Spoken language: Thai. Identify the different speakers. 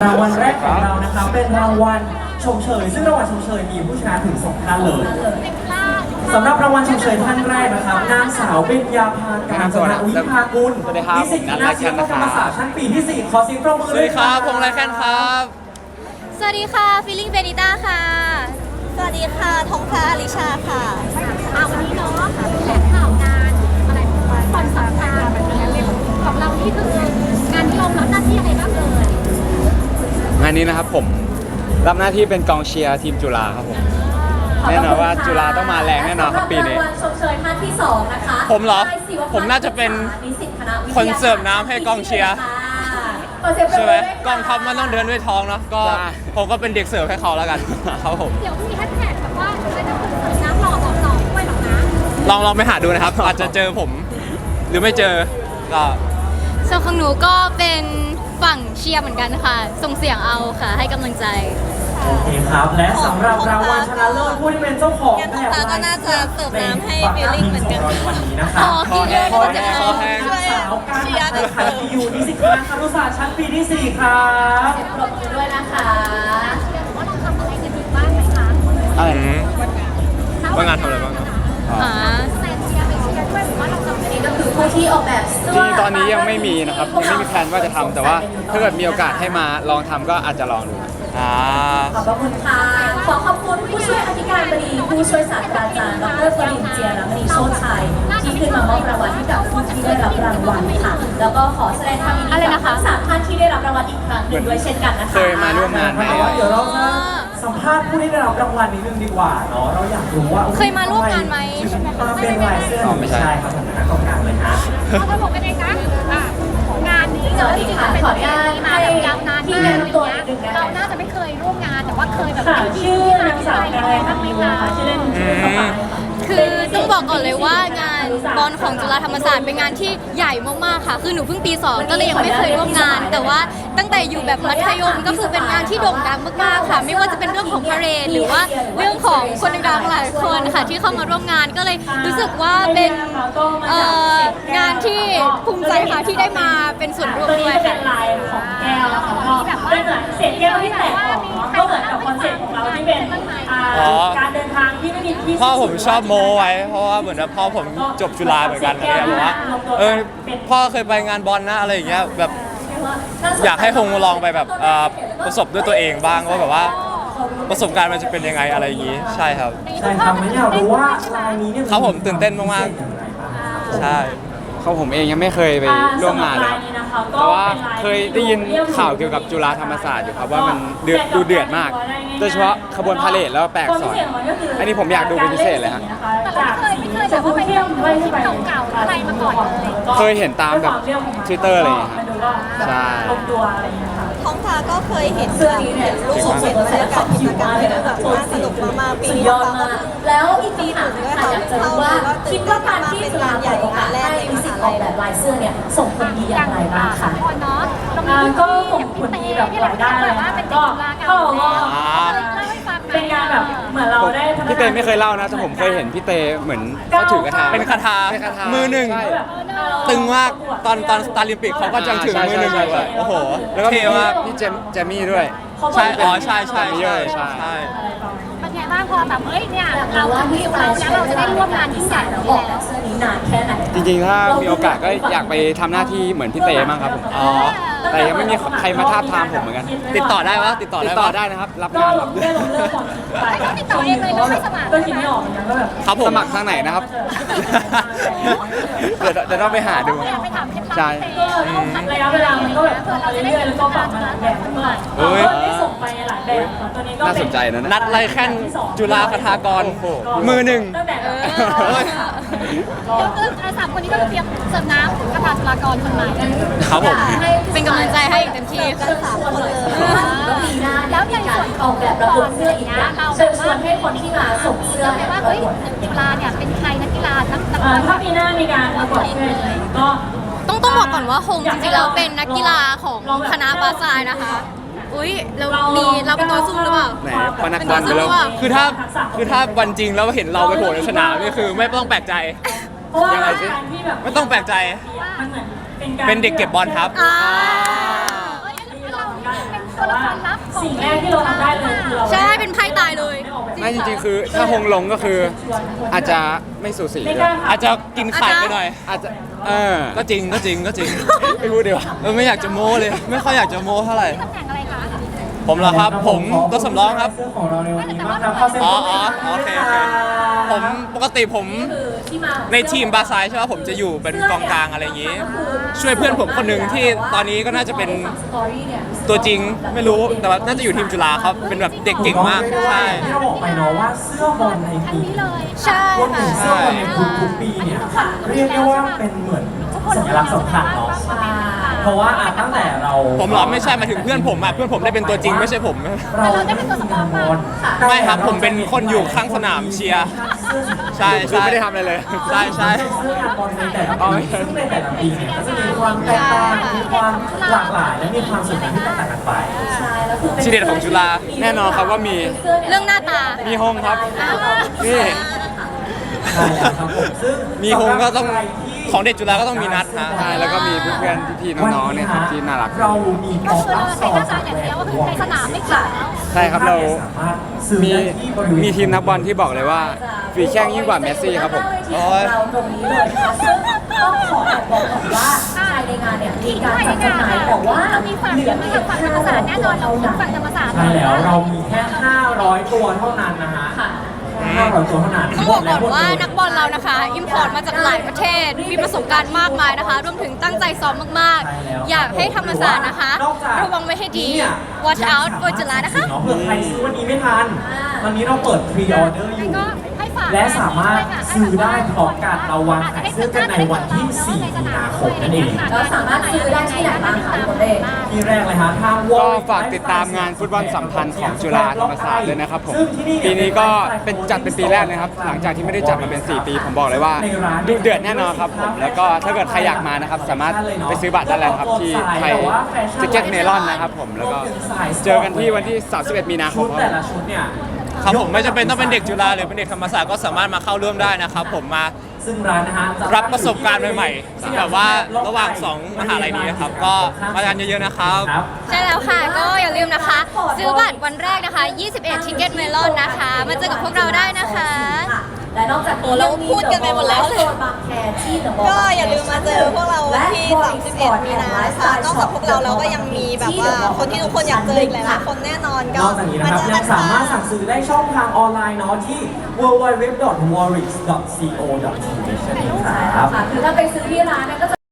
Speaker 1: รางวัลแรกของเรานะคะเป็นรางวัลชมเชยซึ่งรางวัลชมเชยมีผู้ชนะถึง2ท่านเลยสำหรับรางวัลชมเชยท่านแรกนะครับนางสาวเบญญาภาการจนะวิภากุลนิสิตคณะศิลปกรรมศาสตร์ชั้นปีที่4ขอเสียงปรบมือ
Speaker 2: สวัสดีครับพงษ์ไรแคนครับ
Speaker 3: สวัสดีค่ะฟิลลิ่งเบนิต้าค่ะสวัสดีค่ะทงฟ้าอลิชาค่ะ
Speaker 4: วันนี้เนาะแถลงข่าวงานอะไรคอนเสิร์ตงานของเราที่คืองานที่เรารับหน้าที่อะไรบ้างเลย
Speaker 2: งานนี้นะครับผมรับหน้าที่เป็นกองเชียร์ทีมจุฬาครับผมแน่นอนว่าจุฬาต้องมาแรงแน่นอนครับปีนี้
Speaker 4: รางวัลชมเชยท่านที่2นะคะ
Speaker 2: ผมเหรอผมน่าจะเป็นคนเสิร์ฟน้ำให้กองเชียร์ใช่ไหมกองทัพมันต้องเดินด้วยท้องเนาะก็ผมก็เป็นเด็กเสิร์ฟให้เขาแล้วกันครับผม
Speaker 4: เดี๋ยวมีแฮชแท็กแบบว่าอะไรนะคนเสิร์ฟน้ำหล่อบอกต่อด้วยหรอกนะ
Speaker 2: ลองไปหาดูนะครับ อาจจะเจอผมหรือไม่เจอก็
Speaker 3: ส่วนของหนูก็เป็นฝั่งเชียร์เหมือนกันค่ะส่งเสียงเอาค่ะให้กำลังใจ
Speaker 1: โอเคครับและสำหรับรางวัลชนะเลิศผู้ที่เป็นเจ้าของแบบ
Speaker 3: ก็น่าจะเสิร์ฟน้ำให้ฟิลลิ่งเหมือนกัน
Speaker 1: วันนี้นะคะ
Speaker 3: ขอแห้ง
Speaker 1: ขอแห้งขอแห้งสาวการเขายที่อยู่นิสิตคณะครุศาสตร์ชั้นปีที่4ครับ
Speaker 4: ปรบมือด้วยนะคะว่าเราทำอะไรกันอยู่บ้างไหมคะ
Speaker 2: อะไรว่างานทำอะไรบ้างครับ
Speaker 4: แฟนเชียร์ไปเชียร์ด้วยหรือว่าเราทำอะไร
Speaker 5: นี่ก็คือผู้ที่ออกแบบเสื้
Speaker 2: ที่ตอนนี้ยังไม่มีนะครับยังไม่มีแพลนว่าจะทำแต่ว่าถ้าเกิดมีโอกาสให้มาลองทำก็อาจจะลองดูอ่า
Speaker 5: ขอบพระคุณค่ะ ขอขอบคุณผู้ช่วยอธิการบดีผู้ช่วยศาสตราจารย์ดรปริญเจียรมณีโชติชัยที่ขึ้นมามอบรางวัลให้กับผู้ที่ได้รับรางวัลค่ะ แล้วก็ขอแสดงความยินดีกับทั้ง3ท่านที่ได้รับรางวัลอีกครั้งหนึ่งด้วยเช่นกันนะคะ
Speaker 2: เคยมาร่วมงานไหม
Speaker 1: แต่ว่าเดี๋ยวเราจะสัมภาษณ์ผู้ที่ได้รับรางวัลนิดนึงดีกว่าเนาะเราอยากรู้ว่า
Speaker 3: เคยมาร่วมงานไหม
Speaker 1: มาเป็นลายเสื้อไม่ใช่ครับผมนะกองกลางเลยนะ
Speaker 4: เอาระบบกันเองนะงานนี้
Speaker 5: สวัสดีค่ะขออนุญาต
Speaker 4: มา
Speaker 5: ให้
Speaker 4: แบบยาวนาน
Speaker 5: ที่
Speaker 4: มาก
Speaker 5: แนะนำตัวนิดนึงนะคะ
Speaker 4: เราน่าจะไม่เคยร่วมงานแต่ว่าเคยแบบ
Speaker 5: ค่ะชื่อนางสาวกายพักดีนะคะชื่อเล่นชื่อสปายค่ะ
Speaker 3: คือต้องบอกก่อนเลยว่างานบอลของจุฬาธรรมศาสตร์เป็นงานที่ใหญ่มากๆค่ะ คือหนูเพิ่งปี 2 ก็เลยยังไม่เคยร่วมงาน แต่ว่าตั้งแต่อยู่แบบมัธยมก็คือเป็นงานที่โด่งดังมากๆค่ะ ไม่ว่าจะเป็นเรื่องของพาเหรดหรือว่าเรื่องของคนดังๆหลายคนค่ะที่เข้ามาร่วมงานก็เลยรู้สึกว่าเป็นงานที่ภูมิใจค่ะที่ได้มาเป็นส่วนร่วม
Speaker 5: ตัว
Speaker 3: ด้
Speaker 5: นี้
Speaker 3: วย
Speaker 5: จะเป็
Speaker 3: ค่ะ
Speaker 5: นลายของแก้วนะคะก็เป็นเหมือนเศษแก้วที่แตกออกเนาะก็เหมือนกับคอนเซ็ปต์ของเราที่เป็นการเดินทางที่ไม่มีที่
Speaker 2: พ่อผมชอบโม้ไว้เพราะว่าเหมือนว่าพ่อผมจบจุฬาเหมือนกันอะไรเงี้ยบอกว่าพ่อเคยไปงานบอลนะอะไรอย่างเงี้ยแบบอยากให้ฮงลองไปแบบประสบด้วยตัวเองบ้างว่าแบบว่าประสบการณ์มันจะเป็นยังไงอะไรอย่างงี้ใช่ครับ
Speaker 1: ใช่ครับไม่อยากรู้ว่าลายนี้เนี่ย
Speaker 2: ครับผมตื่นเต้นมากๆ ใช่เขาผมเองยังไม่เคยไปร่วมงานเลยครับแต่ว่าเคยได้ยินข่าวเกี่ยวกับจุฬาธรรมศาสตร์อยู่ครับว่ามันเดือดมาก โดยเฉพาะขบวนพาเหรดแล้วแปลกสอนอันนี้ผมอยากดูเป็นพิเศษเลยฮะ
Speaker 4: แต่เราไม่เคยแบบว่าไปเที่ยวคลิปเก่าๆอะไรมาก่อนเลย
Speaker 2: เคยเห็นตามแบบ Twitter อะไรอย่างเงี้ยครับใช่
Speaker 5: ลงตัวอะไรอย่างเงี้ยค่ะ
Speaker 3: ท้องฟ้าก็เคยเห็น
Speaker 5: เสื้อนี้เนี่ยรูปทรงเป็นศิลปะผิวมากเลยนะแบบสนุกมากๆปียอดมากแล้วอีกปีหนึ่งค่ะอยากจะรู้ว่าคิดว่าการที่จุฬาเปิดโอกาสให้นิสิตออกแบบลายเสื้อเนี่ยส่งผลดีอย่างไรบ้างคะ
Speaker 4: ก่อนเนาะ
Speaker 5: ก็ส่งผลดีแบบหลายด้านเลยค่ะก็เข้าก็เป็นการแบบเหมือนเราได้
Speaker 2: พี่เต้ไม่เคยเล่านะแต่ผมเคยเห็นพี่เต้เหมือนเขาถือกระทาเป็นคาถามือหนึ่ง ตึงมากตอนสตาร์ลิมปิกเขาก็จังถึงมือหนึ่งเลยโอ้โหแล้วก็มีว่าพี่เจมี่ด้วยใช่อ๋อใช่ใช่ใช่ใช่
Speaker 4: เป็นไงบ้างพอแบบเฮ้ยเนี่ยเราจะมีเราแล้วเราจะได้ร่วมงานยิ่งใหญ่
Speaker 5: แล้ว
Speaker 4: แล้ว
Speaker 5: ออกแบบเสื้อนี้นานแค่ไหน
Speaker 2: จริงๆถ้ามีโอกาสก็อยากไปทำหน้าที่เหมือนพี่เต้บ้างครับผมอ๋อแต่ยังไม่มีใครมาทาบทามผมเหมือนกันติดต่อได้ปะติดต่อได้นะครับรับ
Speaker 5: ก็
Speaker 2: งาน
Speaker 5: เราได้ลงเรื่องก่อนไป
Speaker 4: ติดต่อเองเลยไม่สมัคร
Speaker 5: ก็คิดไม่ออกเหมือนกันก็แบบ
Speaker 2: ครับผมสมัครทางไหนนะครับ เดี๋ยวต้องไปหาดู
Speaker 4: ไปถามเคล็ดลับ
Speaker 2: ใช่
Speaker 5: ก็ระยะเวลามันก็แบบทำมาเรื่อยๆแล้วก็ปรับมาหลายแบบเมื่อได้ส่งไปหลายแบบตัวนี้ก็
Speaker 2: น่าสนใจนะนัดไรแค่นจุฬาคทากรมือหนึ่ง
Speaker 5: ตั้งแต่
Speaker 4: เราสามคนนี้ก็เตรียมเสิร์ฟน้ำกระพาจุฬากรคนใหม่
Speaker 2: ครับผม
Speaker 3: เป็นกำลังใจให้เต็มที่
Speaker 5: เชิญชวนเลยก็ปีหน้าแล้วในส่วนออกแบบระบบเสื้ออีกนะเชิญชวนให้คนที่มาส่งเสื้อ
Speaker 4: ว่าเฮ้ยจุฬาเนี่ยเป็นใครนักกีฬานัก
Speaker 5: ถ้าปีหน้ามีการประกวดเสื้อก็
Speaker 3: ต้องบอกก่อนว่าฮงจริงๆแล้วเป็นนักกีฬาของคณะบาซายนะคะ อุ้ยเราเป็นตัวสู้หรือเปล่า
Speaker 2: ไหนปนักบอลไปแล้วคือถ้าวันจริงแล้วเห็นเราไปโผล่ในสนามนี่คือไม่ต้องแปลกใจ ยังไงสิไม่ต้องแปลกใจ
Speaker 5: มันเหมือนเป็นการ
Speaker 2: เป็นเด็กเก็บบอลครับ
Speaker 4: เราเป็น
Speaker 5: แต่ว่าสิ่งแรกที่เราทำได้เลยคือเรา
Speaker 3: ใช่เป็นไพ่ตายเลย
Speaker 6: ไม่จริงๆคือถ้าฮงลงก็คืออาจจะไม่สูสี
Speaker 5: ไม่กล้า
Speaker 2: อาจจะกินไข่ไปหน่อย
Speaker 6: อาจจะ
Speaker 2: ก็จริง
Speaker 6: ไม่พูดดีกว่า
Speaker 2: ไม่อยากจะโม้เลย ไม่ค่อยอยากจะโม้เท่าไหร่
Speaker 4: ตำแหน่งอะไรคะ
Speaker 2: ผมเหรอครับ ผมตัวสำรองครับ
Speaker 1: เสื้อของเราในวันนี้มากครับขอเซ็น
Speaker 2: อ๋อ
Speaker 1: ตัว
Speaker 2: อ๋อโอเคโอเคผมปกติผม
Speaker 5: คือที่มา
Speaker 2: ในทีมบาซายใช่ไหมผมจะอยู่เป็นกองกลางอะไรอย่างนี้ ช่วยเพื่อนผมคนหนึ่งที่ตอนนี้ก็น่าจะเป็น
Speaker 5: สตอรี่เนี่ย
Speaker 2: ตัวจริงไม่รู้แต่ว่าน่าจะอยู่ทีมจุฬาครับเป็นแบบเด็กเก่งมากใช่
Speaker 1: ที่เราบอกไปเนาะว่าเสื้อบอลในปี
Speaker 4: นี่เลย
Speaker 3: ใช่
Speaker 1: รวมถึ
Speaker 3: ค่ะ
Speaker 1: งเสื้อบอลในทุกๆปีเนี่ยเรียกได้ว่าเป็นเหมือนสัญลักษณ์สำคัญเนาะเพราะว่าตั้งแต่เรา
Speaker 2: ผมเหรอไม่ใช่หมายถึงเพื่อนผมอ่ะเพื่อนผมได้เป็นตัวจริงไม่ใช่ผม
Speaker 1: เราได้เป็นตัวสำรองบอล
Speaker 2: ไม่ครับผมเป็นคนอยู่ข้างสนามเชียร์ใช่
Speaker 6: คือ
Speaker 2: ใช่
Speaker 6: ไม่ได้ทำอะไรเลย
Speaker 2: ใช่ใช่
Speaker 1: เสื้อบอลในแต่ละปีซึ่งในแต่ละปีเนี่ยก็จะมีความแตกต่างมีความหลากหลายและมีความสวยงามที่แตกต่างกันไป
Speaker 5: ใช่แล้วคือเป็น
Speaker 2: ทีเด็ดของจุฬา
Speaker 6: แน่นอนครับว่ามี
Speaker 3: เรื่องหน้าตา
Speaker 6: มีฮงครับ นี่
Speaker 1: ใช่แล้วครับผมซึ่ง
Speaker 2: มีฮงก็ต้องของเด็กจุฬาก็ต้องมีนัดฮะ
Speaker 6: ใช่แล้วก็มีเพื่อนๆพี่ๆน้องๆเนี่ยครับที่น่ารัก
Speaker 1: เรามีข
Speaker 4: ก็
Speaker 1: อง
Speaker 4: คือ
Speaker 1: รับ
Speaker 4: ใช้
Speaker 1: ซอ
Speaker 4: หน้าตา
Speaker 1: จาก
Speaker 4: อย่าง
Speaker 1: แหว
Speaker 4: เดียวก็
Speaker 1: น
Speaker 4: คือ
Speaker 1: วง
Speaker 4: ในสนามไม่เกี่ยวแล้ว
Speaker 6: ใช่ครับเรา
Speaker 1: สามารถซื้อ
Speaker 6: มี
Speaker 1: ได้ที่บริเวณ
Speaker 6: มีทีมนักบอลที่บอกเลยว่าฝีแข้งยิ่งกว่าเมสซี่ครับผม
Speaker 5: โอ้ยเราตรงนี้เลยนะคะซึ่งต้องขอแอบบอกก่อนว่าภายในงานเนี่ยมีการจัดจำหน่ายแต่ว่า
Speaker 4: มีฝั่งเดียวมีฝั่งธรรมศาสตร์แน่นอนเราฝั่งธรรมศาสตร์
Speaker 1: ใช่แล้วเรามีแค่ 500 ตัวเท่านั้นนะฮะ
Speaker 5: ค่ะ
Speaker 1: 500 ตัวเท่านั้น
Speaker 3: ต้องบอกก่อนว่านักบอลเรานะคะอิมพอร์ตมาจากหลายประเทศ มีประสบการณ์มากมายนะคะ รวมถึงตั้งใจซ้อมมากๆ อยากให้ธรรมศาสตร์นะคะ ระวังไว้ให้ดี watch out for จุฬานะคะ
Speaker 1: เผื่อใครซื้อวันนี้ไม่ทัน ตอนนี้เราเปิดพรีออเดอร์อยู่
Speaker 4: ก็ให้ฝาก
Speaker 1: และสามารถซื้อได้พร้อมกันเราวางขายเสื้อกันในวันที่ 4 มีนาคมนั่นเอง
Speaker 5: เราสามารถซื้อได้ที่ไหนบ้างคะทุกคนเอง
Speaker 1: ที่แรกเลยฮะทางว
Speaker 6: ก็ฝากติดตามงานฟุตบอลสัมพันธ์ของจุฬาธรรมศาสตร์ด้วยนะครับผม ปีนี้ก็เป็นจัดเป็นปีแรกนะครับ หลังจากที่ไม่ได้จัดมาเป็น 4 ปี ผมบอกเลยว่าดุเดือดแน่นอนครับผม แล้วก็ถ้าเกิดใครอยากมานะครับ สามารถไปซื้อบัตรได้เลยครับที่ไทยทิเก็ตเมลอนนะครับผม แล้วก็เจอกันที่วันที่ 31 มีนาค
Speaker 1: ชุ
Speaker 6: ม
Speaker 1: ด
Speaker 6: ครับ
Speaker 1: แต่ละชุดเนี่ย
Speaker 2: ครับผมไม่จำเป็นต้องเป็นเด็กจุฬาหรือเป็นเด็กธรรมศาสตร์ก็สามารถมาเข้าร่วมได้นะครับผมมา
Speaker 1: ซึ่งร้านนะฮะ
Speaker 2: รับประสบการณ์ใหม่ๆแบบว่าระหว่าง2มหาลัยนี้นะครับก็มากันเยอะๆนะครับ
Speaker 3: ใช่แล้วค่ะ ก็อย่าลืมนะคะ ซื้อบัตรวันแรกนะคะ 21 Ticket Melon นะคะ มาเจอกับพวกเราได้นะคะ
Speaker 5: และนอกจาก
Speaker 3: โอ้เราพูดกันไปหมดแล้ว
Speaker 5: โซนบางแคที่เดอะมอลล์
Speaker 7: ก็อย่าลืมมาเจอพวกเราวันที่ 31 มีนานะคะนอกจากพวกเราก็ยังมีแบบว่าคนที่ทุกคนอยากเจออีกหลายๆคนแน่นอน
Speaker 1: น
Speaker 7: ก็
Speaker 1: อกจากนี้นะครับ
Speaker 7: เจอ
Speaker 1: ยั
Speaker 7: กั
Speaker 1: ง
Speaker 7: น
Speaker 1: สามารถ
Speaker 7: ค่ะ
Speaker 1: สั่งซื้อได้ช่องทางออนไลน์เนาะที่ www.warrix.co.th นั่นเองครับ
Speaker 5: ค่ะคือถ้าไปซื้อที่ร้านเนี่ยก็จะ